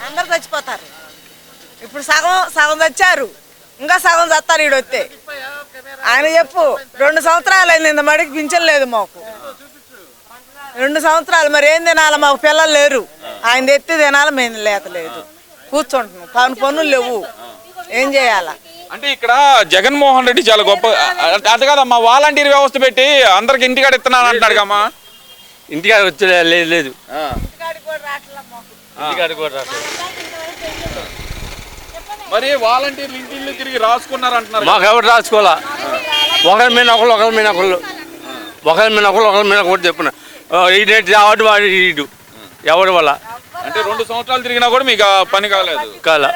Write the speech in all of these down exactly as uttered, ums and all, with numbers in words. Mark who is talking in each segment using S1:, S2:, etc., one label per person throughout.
S1: అందరు చచ్చిపోతారు. ఇప్పుడు సగం సగం చచ్చారు, ఇంకా సగం చస్తారు. ఈడు వస్తే ఆయన చెప్పు, రెండు సంవత్సరాలు అయింది ఇంత మడికి పింఛన్ లేదు మాకు. రెండు సంవత్సరాలు మరి ఏం తినాలి, మాకు పిల్లలు లేరు. ఆయన తెత్తి తినాలి, మేము లేక లేదు, కూర్చుంటున్నాం. పని పనులు లేవు, ఏం చేయాలా?
S2: అంటే ఇక్కడ జగన్మోహన్ రెడ్డి చాలా గొప్ప, అది కాదమ్మా వాలంటీర్ వ్యవస్థ పెట్టి అందరికి ఇంటికాడ ఇస్తున్నాను అంటున్నాడు కమ్మా.
S3: ఇంటికాడ వచ్చే లేదు లేదు
S2: మరి వాలంటీర్లు ఇంటిల్లు తిరిగి రాసుకున్నారు అంటున్నారు.
S3: మాకు ఎవరు రాసుకోవాలా? ఒకరి మీద ఒకళ్ళు ఒకరి మీద ఒకళ్ళు ఒకరి మీద ఒకళ్ళు ఒకరి మీద ఒకటి చెప్పిన ఈడేంటి రావడం వాడు ఈడు ఎవరి వల్ల.
S2: అంటే రెండు సంవత్సరాలు తిరిగినా కూడా మీకు పని కాలేదు
S3: కాల.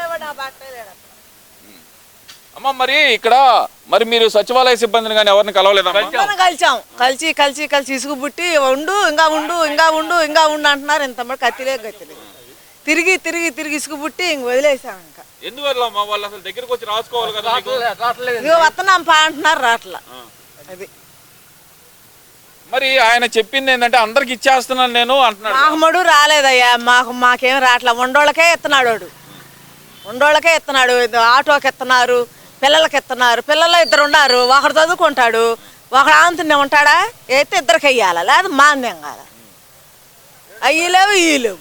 S2: అమ్మ మరి ఇక్కడ మరి మీరు సచివాలయ సిబ్బందిని కానీ ఎవరిని కలవలేదా?
S1: కలిసాం, కలిసి కలిసి కలిసి ఇసుగు పుట్టి ఉండు ఇంకా ఉండు ఇంకా ఉండు ఇంకా ఉండు అంటున్నారు. ఇంత మరి కత్తిలే గత్తిలే తిరిగి తిరిగి తిరిగి ఇసుగు పుట్టి ఇంక వదిలేసాం. ఇంకా
S2: ఎందువల్ల వాళ్ళు అసలు దగ్గరకు వచ్చి రాసుకోవాలి కదా.
S1: ఇదిగో వస్తున్నాం పా అంటున్నారు, రాట్లా. అది
S2: మరి ఆయన చెప్పింది ఏంటంటే అందరికి ఇచ్చేస్తున్నాను నేను అంటున్నాడు.
S1: మాకు మడు రాలేదయ్యా, మాకు మాకేం రాట్లా. ఉండోళ్ళకే ఎత్తున్నాడు వాడు, ఉండోళ్ళకే ఎత్తున్నాడు. ఆటోకి ఎత్తున్నారు, పిల్లలకి ఎత్తున్నారు. పిల్లలు ఇద్దరు ఉన్నారు, ఒకడు చదువుకుంటాడు, ఒకడు ఆంతునే ఉంటాడా. అయితే ఇద్దరికి వెయ్యాలా, లేదా మాంద్యం కాదా. అయ్యి లేవు ఇవి లేవు.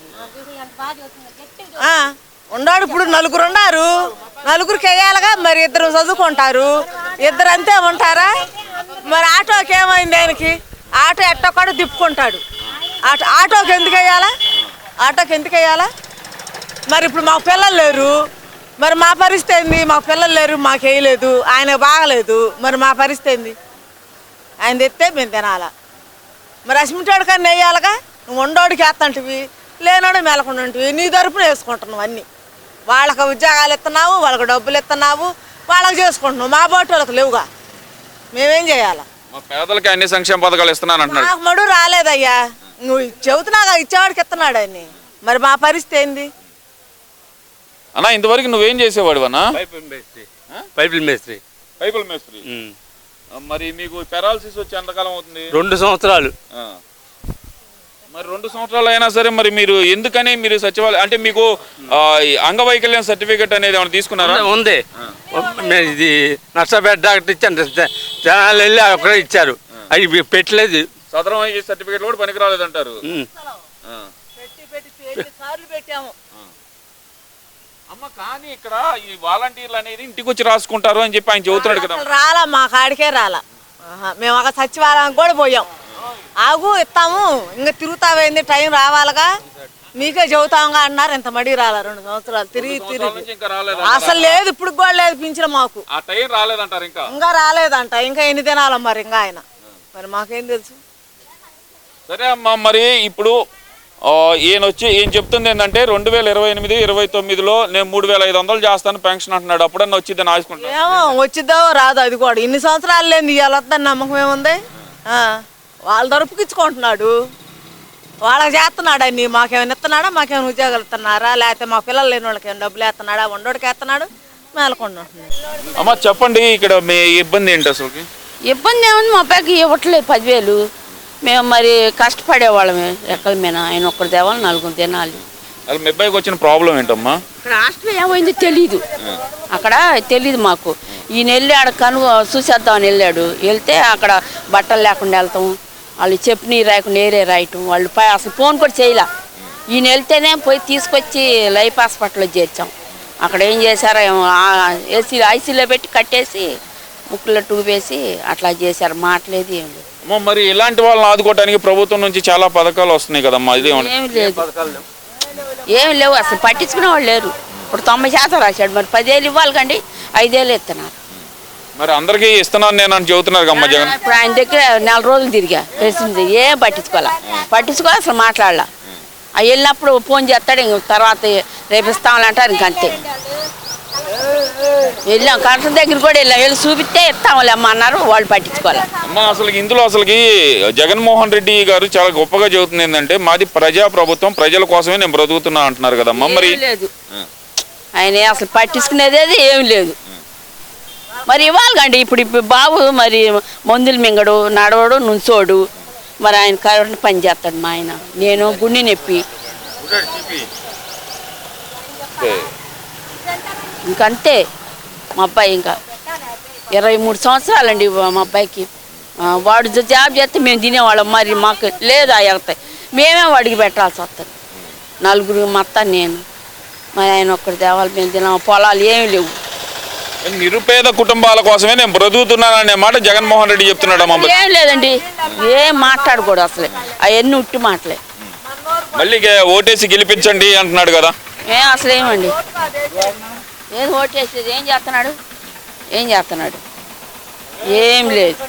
S1: ఉన్నాడు ఇప్పుడు నలుగురు ఉన్నారు, నలుగురికి వెయ్యాలిగా. మరి ఇద్దరు చదువుకుంటారు, ఇద్దరు అంతే ఉంటారా? మరి ఆటోకి ఏమైంది? ఆయనకి ఆటో ఎట్టొక్కడు తిప్పుకుంటాడు. ఆటో ఆటోకి ఎందుకు వెయ్యాలా? ఆటోకి ఎందుకు వెయ్యాలా? మరి ఇప్పుడు మాకు పిల్లలు లేరు, మరి మా పరిస్థితి ఏంది? మాకు పిల్లలు లేరు, మాకు వేయలేదు, ఆయన బాగలేదు, మరి మా పరిస్థితి ఏంది? ఆయన తెస్తే మేము తినాలా. మరి అసిమిటోడు కానీ వేయాలిగా. నువ్వు ఉండోడికి వేస్తంటివి, లేనోడు మెలకుండాంటివి, నీ తరపున వేసుకుంటున్నావు అన్నీ. వాళ్ళకి ఉద్యోగాలు ఇస్తున్నావు, వాళ్ళకి డబ్బులు ఇస్తున్నావు, వాళ్ళకి చేసుకుంటున్నావు. మా బోటి వాళ్ళకి లేవుగా, మేమేం చేయాలా?
S2: పేదలకి అన్ని సంక్షేమ పథకాలు ఇస్తున్నాను అంటున్నాడు.
S1: నాకు మడు రాలేదయ్యా, నువ్వు చెబుతున్నాగా ఇచ్చేవాడికి ఇస్తున్నాడు అని. మరి మా పరిస్థితి ఏంది
S2: అన్నా? ఇంతవరకు నువ్వేం చేసేవాడు అన్నా?
S3: పైపుల మేస్త్రి. పైపుల మేస్త్రి
S2: పైపుల మేస్త్రి. మరి మీకు పెరాలసిస్ వచ్చి ఎంతకాలం అవుతుంది?
S3: రెండు సంవత్సరాలు.
S2: మరి రెండు సంవత్సరాలు అయినా సరే మరి మీరు ఎందుకని మీరు సచివాలయం అంటే మీకు అంగవైకల్యం సర్టిఫికేట్ అనేది ఏమైనా తీసుకున్నారా?
S3: ఉంది, ఇది నష్టపేట డాక్టర్ ఇచ్చాను, జనాలు వెళ్ళి ఒకరే ఇచ్చారు, అవి పెట్టలేదు.
S2: సదరం సర్టిఫికేట్ కూడా పనికి రాలేదంటారు. అమ్మ కానీ ఇక్కడ ఈ వాలంటీర్లు అనేది ఇంటికి వచ్చి రాసుకుంటారు అని చెప్పి ఆయన చెబుతున్నాడు కదా.
S1: రాలా, మా కాడికే రాలా. మేము ఒక సచివాలయానికి కూడా పోయాం. ఆగు ఇస్తాము, ఇంకా తిరుగుతావేంది, టైం రావాలిగా, మీకే చెబుతాంగా అన్నారు. ఇంత మడి రాలా, రెండు సంవత్సరాలు తిరిగి తిరిగి అసలు లేదు. ఇప్పుడు కూడా లేదు పింఛను మాకు. ఇంకా రాలేదంట. ఇంకా ఎన్ని దినాల మరి ఇంకా ఆయన, మరి మాకేం తెలుసు.
S2: సరే అమ్మా, మరి ఇప్పుడు ఈయన వచ్చి ఏం చెప్తుంది ఏంటంటే రెండు వేల ఇరవై ఎనిమిది ఇరవై తొమ్మిదిలో నేను మూడు వేల ఐదు వందలు చేస్తాను పెన్షన్ అంటున్నాడు. అప్పుడన్నా వచ్చిద్దని ఆశకుంటా.
S1: ఏమో వచ్చిద్దో రాదు, అది కూడా ఇన్ని సంవత్సరాలు లేని ఇవాళ వద్దని నమ్మకం ఏముంది? వాళ్ళ దొరుపుకిచ్చుకుంటున్నాడు, వాళ్ళకి చేస్తున్నాడు అన్ని. మాకేమైనా ఇస్తున్నాడా? మాకేమైనా ఉద్యోగాలు ఇస్తున్నారా? లేకపోతే మా పిల్లలు లేని వాళ్ళకి ఏమైనా డబ్బులు వేస్తున్నాడా? వండోడికి వేస్తున్నాడు, మేలకుండా ఉంటున్నాడు.
S2: అమ్మ చెప్పండి, ఇక్కడ మీ ఇబ్బంది ఏంటి అసలు?
S4: ఇబ్బంది ఏముంది, మా పైకి ఇవ్వట్లేదు పదివేలు. మేము మరి కష్టపడేవాళ్ళమే ఎక్కల మీద. ఆయన ఒక్కరు తేవాలి, నలుగురు తినాలి.
S2: మీ అబ్బాయికి వచ్చిన ప్రాబ్లం ఏంటమ్మా?
S4: ఇక్కడ హాస్టల్ ఏమైందో తెలీదు, అక్కడ తెలీదు మాకు. ఈయన వెళ్ళి ఆడ కను చూసేద్దామని వెళ్ళాడు. వెళ్తే అక్కడ బట్టలు లేకుండా వెళ్తాం, వాళ్ళు చెప్పి రాయకుండా ఏరే రాయటం, వాళ్ళు పై అసలు ఫోన్ కూడా చేయలే. ఈయన వెళ్తేనే పోయి తీసుకొచ్చి లైఫ్ హాస్పిటల్లో చేర్చాం. అక్కడ ఏం చేశారో ఏసీ ఐసీలో పెట్టి కట్టేసి ముక్కులో టూబేసి అట్లా చేశారు. మాట్లేదు ఏం లేదు.
S2: మరి ఇలాంటి వాళ్ళని ఆదుకోవడానికి ప్రభుత్వం నుంచి చాలా పథకాలు వస్తున్నాయి కదమ్మా, ఇది
S4: ఏమి లేదు, ఏమి లేవు, అసలు పట్టించుకునే వాళ్ళు లేరు. ఇప్పుడు తొంభై శాతం రాశాడు, మరి పదేళ్ళు ఇవ్వాలి కండి, ఐదేళ్ళు ఇస్తున్నారు.
S2: మరి అందరికీ ఇస్తున్నాను నేను అని చెబుతున్నారు కమ్మా జగన్.
S4: ఇప్పుడు ఆయన దగ్గర నెల రోజులు తిరిగా తెలిసింది, ఏం పట్టించుకోవాలా, పట్టించుకోవాలి అసలు మాట్లాడాల. అవి వెళ్ళినప్పుడు ఫోన్ చేస్తాడు, ఇంక తర్వాత రేపు ఇస్తామంటారు, ఇంకంతే. వెళ్ళాం కలెక్టర్ దగ్గర కూడా వెళ్ళాం, వెళ్ళి చూపిస్తే ఇస్తాంలే అమ్మ అన్నారు, వాళ్ళు పట్టించుకోవాలి.
S2: అమ్మ అసలు ఇందులో అసలుకి జగన్మోహన్ రెడ్డి గారు చాలా గొప్పగా చెబుతుంది ఏంటంటే మాది ప్రజా ప్రభుత్వం, ప్రజల కోసమే నేను బ్రతుకుతున్నా అంటున్నారు కదమ్మా. మరి
S4: లేదు, ఆయన అసలు పట్టించుకునేది ఏమి లేదు. మరి ఇవ్వాలి కండి. ఇప్పుడు ఇప్పుడు బాబు మరి మందులు మింగడు, నడవడు, నుంచోడు. మరి ఆయన కరెంట్ పని చేస్తాడు మా ఆయన. నేను గుండె నొప్పి,
S2: ఓకే.
S4: ఇంకంతే మా అబ్బాయి ఇంకా ఇరవై మూడు సంవత్సరాలండి మా అబ్బాయికి ఆ, వాడు జ- జాబ్ చేస్తే మేము తినేవాళ్ళం మరి మాకు లేదా వెళ్తాయి మేమే వాడికి పెట్టాల్సి వస్తుంది నలుగురు మొత్తం నేను మా ఆయన ఒక్కడి దేవాలి మేము తిన పొలాలు ఏమీ లేవు
S2: నిరుపేద కుటుంబాల కోసమే నేను బ్రతుకుతున్నాను అనే మాట జగన్మోహన్ రెడ్డి చెప్తున్నాడు అమ్మ.
S4: ఏం లేదండి ఏం మాట్లాడకూడదు అసలే అవన్నీ ఉట్టి మాటలే
S2: మళ్ళీ గే- ఓటేసి గెలిపించండి అంటున్నాడు కదా.
S4: ఏం అసలు ఏమండి ఏం ఓటేసేది ఏం చేస్తున్నాడు ఏం చేస్తున్నాడు ఏం లేదు